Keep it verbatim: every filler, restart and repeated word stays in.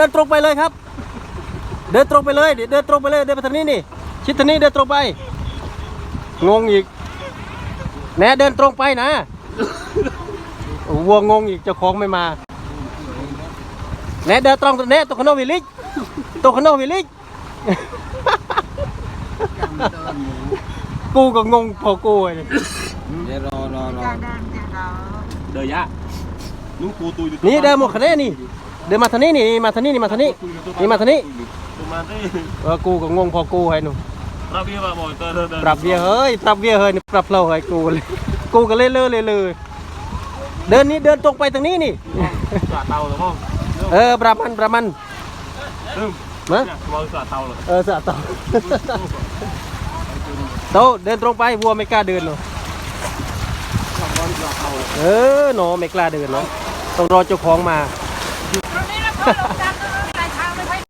เดินตรงไปเลยครับเดินตรงไปเลยเดินตรงไปเลยเดินไปทางนี้นี่ชิดทางนี้เดินตรงไปงงอีกแน่เดินตรงไปนะวัวงงอีกเจ้าของไม่มาแน่เดินตรงแน่ตัวขนมวิลิกตัวขนมวิลิกกูก็งงพอกูเลยเดี๋ยวรอรอรอเดี๋ยวยะลูกกูตุยนี่เดินหมดคะแนนนี่เดินมาทางนี้นี่มาทางนี้นี่มาทางนี้นี่มาทางนี้เออกูก็งงพอกูให้หนูปรับเบี้ยมาบ่อยเติมปรับเบี้ยเฮ้ยปรับเบี้ยเฮ้ยปรับเราให้กูเลยกูก็เล่นเลยเลยเลยเดินนี้เดินตรงไปทางนี้นี่เตาหรือมั้งเออประมันประมันมาเออสะเตาโตเดินตรงไปวัวไม่กล้าเดินหรอกเออหนอไม่กล้าเดินเนาะต้องรอเจ้าของมา